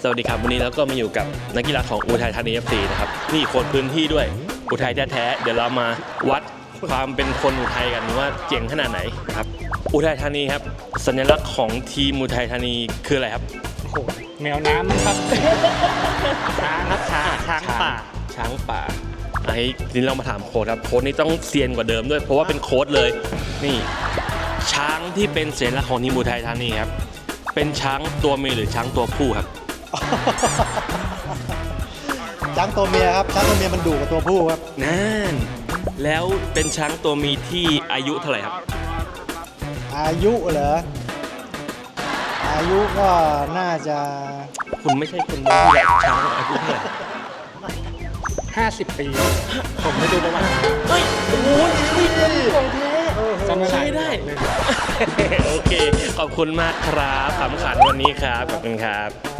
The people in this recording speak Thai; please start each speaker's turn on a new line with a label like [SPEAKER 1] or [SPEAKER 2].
[SPEAKER 1] สวัสดีครับวันนี้เราก็มาอยู่กับนักกีฬาของอุทัยธานี FC นะครับนี่คนพื้นที่ด้วยอุทัยแท้ๆเดี๋ยวเรามาวัดความเป็นคนอุทัยกันว่าเจ๋งขนาดไหนนะครับอุทัยธานีครับสัญลักษณ์ของทีมอุทัยธานีคืออะไรครับ
[SPEAKER 2] โอ้โหแมวน้ำครับช้างครับช้างป่า
[SPEAKER 1] ช้างป่าไอ้ทีนี้เรามาถามโค้ชครับโค้ชนี่ต้องเซียนกว่าเดิมด้วยเพราะว่าเป็นโค้ชเลยนี่ช้างที่เป็นสัญลักษณ์ของทีมอุทัยธานีครับเป็นช้างตัวเมียหรือช้างตัวผู้ครับ
[SPEAKER 3] ช้างตัวเมียครับช้างตัวเมียมันดุกว่าตัวผู้ครับ
[SPEAKER 1] นั่นแล้วเป็นช้างตัวเมียที่อายุเท่าไหร่ครับ
[SPEAKER 3] อายุเหรออายุก็น่าจะ
[SPEAKER 1] คุณไม่ใช่คนที่แบบช้างอายุเท่าไหร่
[SPEAKER 2] 50 ปีผมไม่ดูประวัติ
[SPEAKER 1] เฮ้ยโอ้โหของแท้ใช่ได้โอเคขอบคุณมากครับขำขันวันนี้ครับขอบคุณครับ